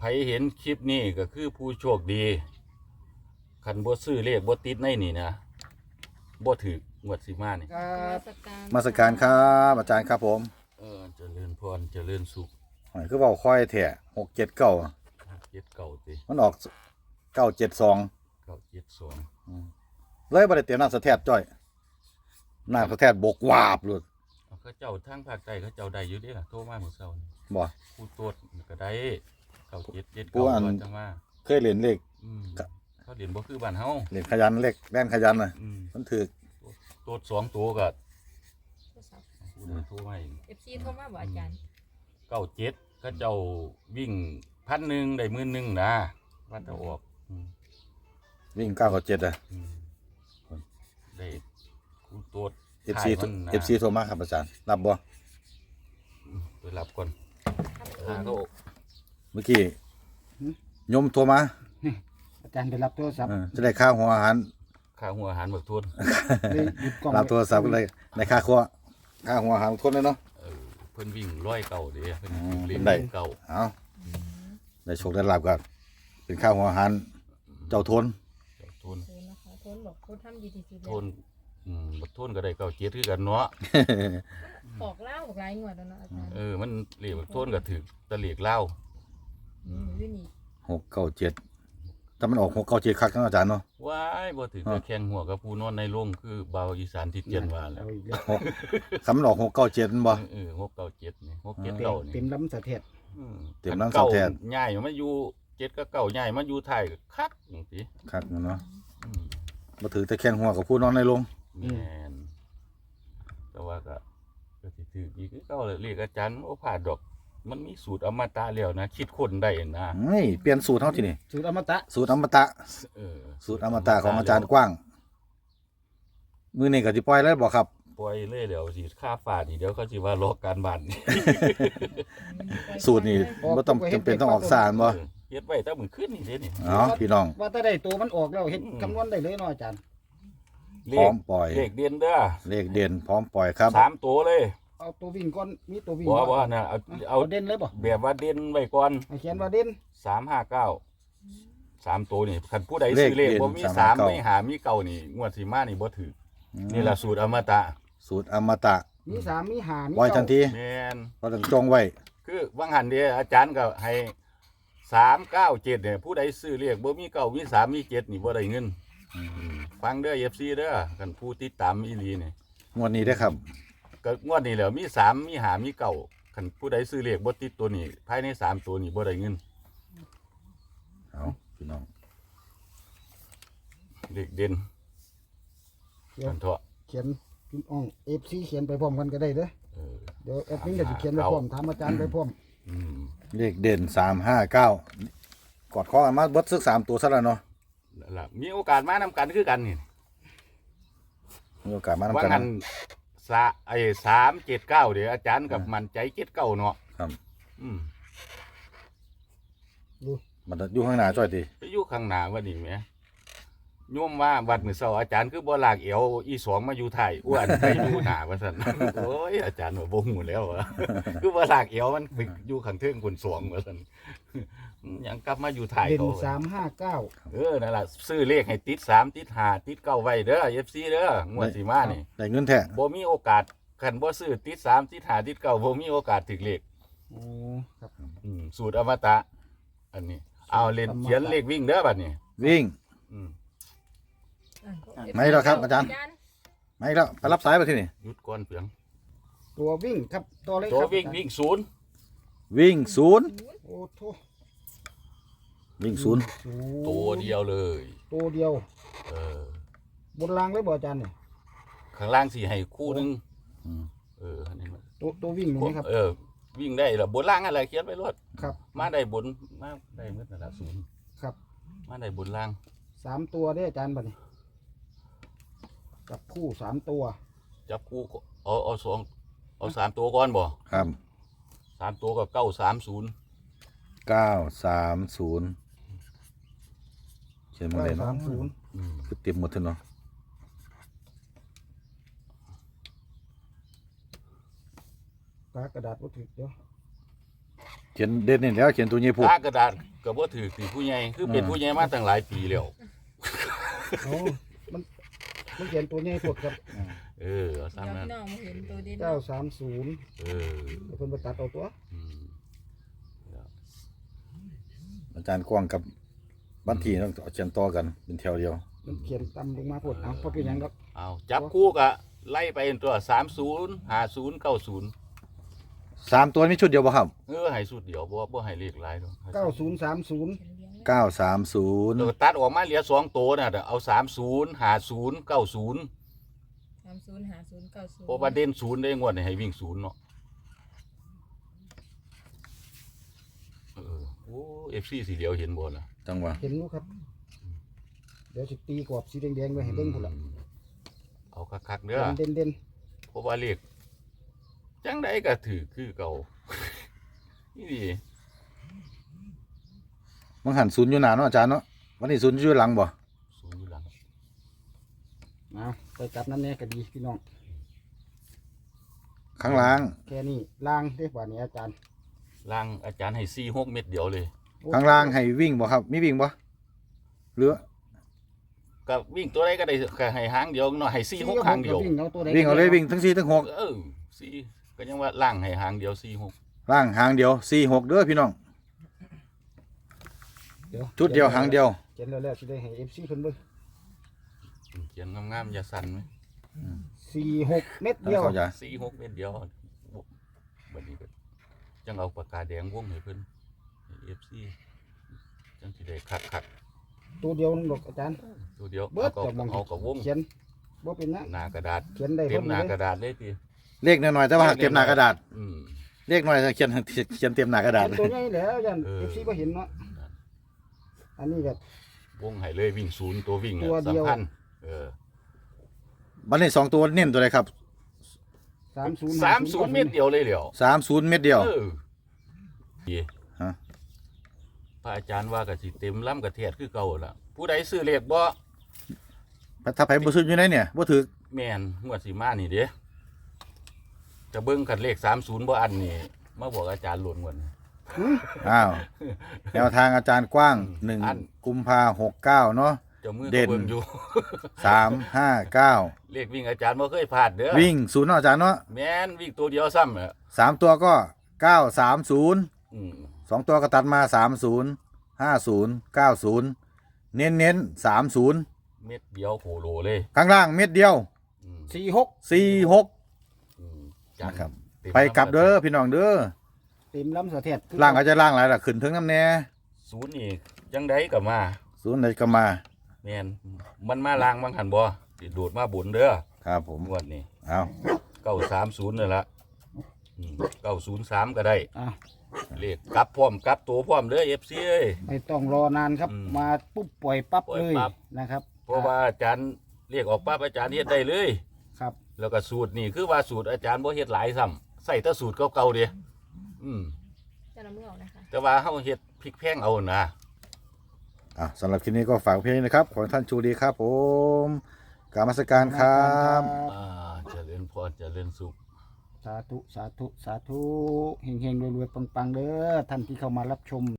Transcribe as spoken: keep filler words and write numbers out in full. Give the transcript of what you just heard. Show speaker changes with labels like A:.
A: ผเห็นคลิปนี้ก็คือผู้โชคดีคันบ่ซื้อเลขบ่ติดในนี่นะบ่ถืองวดสิมานี่
B: ครับ
C: มาสการครับอาจารย์ครับผม
A: เออเจริญพรเจริญสุข
C: หอยคือเบาค่อยแท้หกเจ็ดเก้า
A: เจ็ดเก่าติ
C: มันออกเก้าเจ็ดสอง
A: เก่าเจ็ดสอง
C: เลยบ่ได้เตรียมน้ำสะแทดจ้อยน้ำสะแทดบกวาบเลย
A: เขาเจ้าทางภาคใต้เขาเจ้าได้อยู่เด้ล่ะโทรมาเมื่อเช้านี่
C: บ่
A: ผู้ตรวจก็ได้เก่าเจ็ดเจ็ด
C: ผู้
A: เก่า
C: อัน
A: ว่าจังว่า
C: เคยเรียนเลข
A: อืม
C: ครับ
A: เขาเรียนบ่คือบ้านเฮา
C: เรียนขยันเลขแล่นขยันน่ะ
A: อืม
C: มันถือ
A: ตรวจสองตัวก็ผู้นั้นโทรมาเอง
B: เอฟซีโทรมาบอกอาจารย์
A: เก้าเจ็ดก็เจ้าวิ่งพันหนึ่งได้หมื่นหนึ่งนะว่าจะออกอืม
C: วิ่งเก้ากับเจ็ดอ่ะ
A: อืมได้คูตรวจ
C: เอฟซี
A: ถ่ายมันนะ
C: เอฟซีโทรมาครับอาจารย์รับบ่
A: ไปรับก่อนหาเขา
C: เมื่อกี้โยมโทรมา
D: อาจารย์ไปรับโทรศัพท์
C: เออจะได้ค่าหัวอาหาร
A: ค่าหัวอาหารเบิกทุน
D: เลยหยุดกล้อง
C: รับโทรศัพท์เลยได้ค่าครัวค่าหัวอาหารทนเลยเนาะ
A: เออเพิ่นวิ่งร้อยเก่าเด้เพิ่น
C: อืม
A: เล่น
C: ได้
A: เก่า
C: เอาได้โชคได้ลาบกันเป็นค่าหัวอาหารเจ้าทน
A: เจ้าทุน
B: โทนนะคะโทนบอกโทนทำดีที่สุด
A: ทุนอืมบักทุนก็ได้เก่าเจ็ดคือกันเนาะ
B: ออกเล่าออกหลายงวดแล้วเนาะอาจารย์
A: เออมันเรียกบักทุนก็ถือตะเลียกเหล้า
B: อืมอยู่นี่
C: หกเก้าเจ็ดถ้ามันออกหกเก้าเจ็ดคักเนาะอาจารย์เนาะ
A: ว้ายบ่ถือแต่แข่งหัวกับผู้นอนในโรงคือเบาวอีสานที่เจียนว่าแล้
D: เอา
A: ว
D: อีกแล้ว
C: หกคำมันออกหกเก้าเจ็ดมันบ่
A: เออหกเก้าเจ็ดนี่หกเจ็ด
D: เต็ม
A: เก้านี่
D: เต็มลำสะเทศ
A: อืม
C: เต็มน้ำสาวแทน
A: เก่าใหญ่มาอยู่เจ็ดก็เก่าใหญ่มาอยู่ไทยก็คักจังซี่
C: คักเนาะ
A: อืม
C: มาถือแต่แข้งหัวกับผู้นอนในโรง
A: แม่นแต่ว่าก็ก็สิถืออีกคือเก่าเลยเรียกอาจารย์โอ้ผ่าดอก มันมีสูตรอมตะแล้วนะคิดคนได้นะ
C: เฮ้ยเปลี่ยนสูตรเท่าที่นี่
D: สูตรอมตะ
C: สูตรอมตะ
A: เออ
C: สูตรอมตะของอาจารย์กว้าง มือนี่ก็สิปล่อยแล้วบ่ครับ
A: ปล่อยเลยเดี๋ยวสิค่าฝาดนี่เดี๋ยวเขาสิว่าลอกการบ้านนี่
C: สูตรนี่บ่ต้องจำเป็นต้องออกสารบ่
A: เออเฮ็ดไว้แต่มื้อคืนนี่เด้นี่
C: เอ๋อพี่น้อง
D: ว่าถ้าได้ตัวมันออกแล้วเห็น
A: อืม
D: คำนวณได้เลยเนาะอาจารย์
A: เล
C: พร้อ
A: ข
C: มปล่อย
A: เลขเด่นเด้อ
C: เลขเด่นพร้อมปล่อยครับ
A: สามตัวเลย
D: เอาตัววิ่งก่อนมีตัววิ่ง
A: บ่บ่น่ะเอา
D: เอา
A: เอา
D: เด่นเลยบ่
A: แบบว่าเด่นไว้ก่อน
D: ให้เขียนว่าเด่น
A: สามห้าเก้าสามตัวนี่คันผู้ใดซื้อเลขบ่มีสามไม่หามีเก้านี่งวดสิมานี่บ่ถือนี่ล่ะสูตรอมตะ
C: สูตรอมตะ
D: มีสามมีห้ามี
C: ปล่อยทันที
A: แม่น
C: เราต้องจงไว้
A: คือวังหันเดียอาจารย์ก็ให้สามเก้าเจ็ดเนี่ยผู้ใดซื้อเรียกบ่มีเก้ามีสามมีเจ็ดนี่บ่ได้เงินฟังเด้อเอฟซีเด้อกันผู้ติดตามอีหลีนี่
C: งวดนี้ได้อครับ
A: ก็งวดนี้แหล้วมีสามมีหามีเก้าคันผู้ใดซื้อเรียกบ่ติดตัวนี้ภายในสามตัวนี้บ่ได้เงิน
C: เอาพี่น้อง
A: เลขเด่น
D: เดี๋ยว
A: กันเถาะ
D: เขียนพิมพ์อ่องเอฟซีเขียนไปพร้อมกันก็ได้เด้อ
A: เออ
D: เดี๋ยวแอดมินก็จะเขียนไปพร้อมถามอาจารย์ไปพร้อม
A: อืม
C: เลขเด่นสามห้าเก้ากอดคอกันมาเบิดซึกสามตัวซะแล้วเนาะ
A: นั่นล่ะมีโอกาสมานำกันคือกันนี่
C: มีโอกาสมา
A: ว่า
C: ทำกัน
A: งัน
C: นะ
A: สาไอ้สามเจ็ดเก้าเดี๋ยวอาจารย์กับมันใจเจ็ดเก้าเนาะ
C: ครับ
A: อืม
C: มันอยู่ข้างหน้าจ้อยติ
A: ไปอยู่ข้างหน้าว่านี่แหมโยมว่าวัดมื้อเช้าอาจารย์คือบ่ลากเอวอีสองมาอยู่ไทยอ้วนไปอยู่หน้าว่าซั่น โอ้ยอาจารย์ว่าบ่ฮู้แล้วอะ คือบ่ลากเอวมันไปอยู่ข้างเทิงคนสวงว่าซั่น ยังกลับมาอยู่ไทย
D: เด่น
A: เขา
D: สามห้าเก้า
A: เออนั่นล่ะซื้อเลขให้ติดสามติดห้าติดเก้าไว้เด้อ เอฟ ซี เด้องวดสิมานี่
C: ได้เงินแท้
A: บ่มีโอกาสคันบ่ซื้อติดสามติดห้าติดเก้าบ่มีโอกาสถึกเลข
D: โอ้ครับ
A: อืมสูตรอมตะ อันนี้ เอาเล่นเขียนเลขวิ่งเด้อบัดนี้
C: วิ่ง
A: อืม
B: อ่ะ
C: ไม่หรอกครับอาจารย์ มาอีกแล้วไปรับสายไปที่นี่
A: หยุดก่อนเพียง
D: ตัววิ่งครับตัวเล็ก
A: ตัว
D: ครับ
A: วิ่งวิ่งศูนย์
C: วิ่งศูนย์
D: โอ้โถ
C: วิ่งศูนย์
D: ศูนย์
A: ตัวเดียวเลย
D: ตัวเดียว
A: เออบ
D: นรางเลยบ่อาจารย์เนี่ย
A: ข้างล่างสิให้คู่หนึง
C: อืม
A: เอออันนี้มัน
D: ตัวตัววิ่งนี่นะครับ
A: เออ วิ่งได้ล่ะบนล่างอะไรเขียนไว้รวด
D: ครับ
A: มาได้บนมาได้หมดนั่นล่ะศูนย์
D: ครับ
A: มาได้บนล่าง
D: สามตัวได้ออาจารย์บัดนี้กับคู่สามตัว
A: จับคู่ก็เอาเอาสองเอาสามตัวก่อนบ่
C: ครับ
A: สามตัวก็เก้าสามศูนย์
C: เก้าสามศูนย์เขียนมา
D: เก้า
C: เลย
D: สา
C: เนาะ
D: มศูนย์
C: คือเต็มหมดเลยเนาะ
D: กากระดาษวัตถุเดี๋ยว
C: เขียนเด่นนี่แล้วเขียนตัวนี้พูด
A: ตากระดาษก็บ่ถือสิผู้ใหญ่คือเป็นผู้ใหญ่มาตั้งหลายปีแล้ว
D: โอ้มันมันเขียนตัวใหญ่ปวดครับ
A: เออเอา
B: เดี๋ยว
A: ซ้ำนั้น
B: พี่น้องมาเห็นตัวเด่น
D: เก้าสามศูนย์
A: เออ
D: เดี๋ยวเพิ่นไปตัดเอาตัว
A: อืม
C: อาจารย์กว้างกับบันทีต้องเอาเขียนต่อกันเป็นแถวเดียว
D: มันเขียนต่ำลงมาปวดเอาเพราะเป็นหยังครับ
A: เอาจับคู่ก็ไล่ไปตัวสามศูนย์ห้าศูนย์เก้าศูนย์
C: สามตัวมีชุดเดียวบ่ครับ
A: เออให้สุดเดียวบ่บ่ให้เลขหลายดอก
D: เก้าศูนย์สามศูนย์
B: เขียนเลี้ยงไว้
C: เก้าสามศูนย์
A: แล้วก็ตัดออกมาเหลือสองตัวน่ะเดี๋ยวเอาสามศูนย์ห้าศูนย์เก้าศูนย์
B: สามศูนย์ห้าศูนย์เก้าศูนย์
A: เพราะว่าเด่นศูนย์ได้งวดนี่ให้วิ่งศูนย์เนาะเออโอ้ เอฟ ซี สีเหลียวเห็นบ่ล่ะ
C: จังหวะ
D: เห็นลูกครับ เดี๋ยวสิตีกรอบสีแดงๆไว้ให้เบิ่งพุ่นละ
A: เอาคักๆเด้อ
D: เด่นเด่น
A: เพราะว่าเลขจังไดก็ถือคือเก่า นี่ดิ
C: มันหันศูนย์อยู่หน้าเนาะอาจารย์เนาะวันนี้ศูนย์อยู่หลังบ่
A: ศูนย์อยู่หลัง
D: ๆเอาไปจับนั่นแน่ก็ดีพี่น้อง
C: ข้างล่าง
D: แค่นี้ล่างได้กว่านี้อาจารย์
A: ล่างอาจารย์ให้สี่หกเม็ดเดียวเลย
C: ข้างล่างให้วิ่งบ่ครับ มีวิ่งบ่หรือ
A: ก็วิ่งตัวใดก็ได้แค่ให้หางเดียวเนาะให้สี่หกหางเดียว
D: วิ่งเอาตัวใด
C: วิ่งเอาเลยวิ่งทั้งสี่ทั้งหก
A: เออสี่ก็ยังว่าล่างให้หางเดียวสี่หก
C: ล่างหางเดียวสี่หกเด้อพี่น้อง
D: เดี๋ยว
C: ชุดเดียวหางเดียว
D: เขียนแล้วๆสิได้ให้ เอฟ ซี เพิ่นเบิ่ง
A: เขียนงามๆอย่าสั่นไหม
D: สี่หกเม็ด
C: ท่าน
D: เดียว
C: เขาจะ
A: สี่หกเม็ดเดียวบัดนี้ก็จังเอาปากกาแดงวงให้เพิ่นเอฟซีจังสิได้คักคัก
D: ตัวเดียวนึงดอกอาจารย์
A: ๆตัวเดียว
D: เบิ
A: เอา
D: ด
A: ก็
D: จากมอง
A: เอากับวง
D: เขียนบ่เป็นนะ
A: หน้ากระดาษ
D: เขียนได้
A: เต็
D: เพิ่
A: ม
D: ม
A: หน้า
D: เลย
A: กระดาษเลยที
C: เลขน้อยๆแต่ว่าเต็มหน้ากระดาษ
A: อืม
C: เลขน้อยแต่เขียนเขียนเต็มหน้ากระดาษ
D: เขียนตัวใหญ่แล้วยัน
A: เออ
D: เอฟซีบ่เห็นเนาะอันนี้แบบ
A: วงให้เลยวิ่งศูนย์ตัววิ่ง
D: ตัวเดียว
A: สำคัญเออ
C: บัดนี้สองตัวเน้นตัวใดครับ
D: สามศูนย์
A: สามศูนย์เม็ดเดียวเลยเหลียว
C: สามศูนย์เม็ดเดียว
A: เออดี
C: ฮะ
A: พระอาจารย์ว่าก็สิเต็มล้ำกระเทียดคือเก่าล่ะผู้ใดซื้อเลขบ่
C: ถ้าไผบ่ซื้ออยู่ไหนเนี่ยบ่ถือ
A: แม่นงวดสิมานี่เด้จะเบิ่งคันเลขสามศูนย์บ่อันนี่มาบอกอาจารย์หล่นงวด
C: อ้าวแนวทางอาจารย์กว้างหนึ่ง
A: อัน
C: กุมภาหกเก้าเนาะ
A: เจ้ามือ
C: เด่
A: ก็
C: น
A: เบิ่งอยู่
C: สามห้าเก้า
A: เลขวิ่งอาจารย์บ่เคยพลาดเด้อ
C: วิ่งศูนย์เนาะอาจารย์เนาะ
A: แม่นวิ่งตัวเดียวซ้ำอ่ะ
C: สามตัวก็เก้าสามศูนย์
A: อืม
C: สองตัวก็ตัดมาสามศูนย์ห้าศูนย์เก้าศูนย์เน้นเน้นสามศูนย์
A: เม็ดเดียวโคโลเลย
C: ข้างล่างเม็ดเดียว
A: อืม
D: สี่หก
C: สี่หก
A: อืมจัง
C: นะครับ
A: เต็ม
C: ไปกลับเด้อพี่น้องเด้อ
D: เต็มลำเสถียร
C: ล่างก็จะล่างหลายล่ะขึ้นถึงน้ำแน่
A: ศูนย์นี่จังไดก็มา
C: ศูนย์ไหนก็มา
A: แม่นมันมาลางบางหันบ่สิโดดมาบุญเด้อ
C: ครับผม
A: งวดนี้
C: เอา
A: เก้าสามศูนย์นั่นละเก้าศูนย์สามก็ได้
D: อ่ะ
A: เลขกลับพร้อมกลับตัวพร้อมเด้อเอฟซีเอ้ย
D: ไม่ต้องรอนานครับ
A: อืม
D: มาปุ๊บปล่อยปั๊บ
A: ปล่อย
D: เลย
A: ปั๊บ
D: นะครับ
A: เพราะว่าอาจารย์เรียกออกปั๊บอาจารย์เฮ็ดได้เลย
D: ครับ
A: แล้วก็สูตรนี่คือว่าสูตรอาจารย์บ่เฮ็ดหลายซ้ำใส่แต่สูตรเก่าๆเด้อืม
B: จะนำมือออกนะคะ
A: แต่ว่าเฮาเฮ็ดพริกแพงเอานะ
C: อ่ะสำหรับคลิปนี้ก็ฝากเพียงนี้นะครับ ขอให้ท่านโชคดีครับผมกรารมาสการครับ
A: อ่าเจริญพรเจริญสุข
D: สาธุ สาธุ สาธุเฮงๆรวยๆปังๆเด้อท่านที่เข้ามารับชม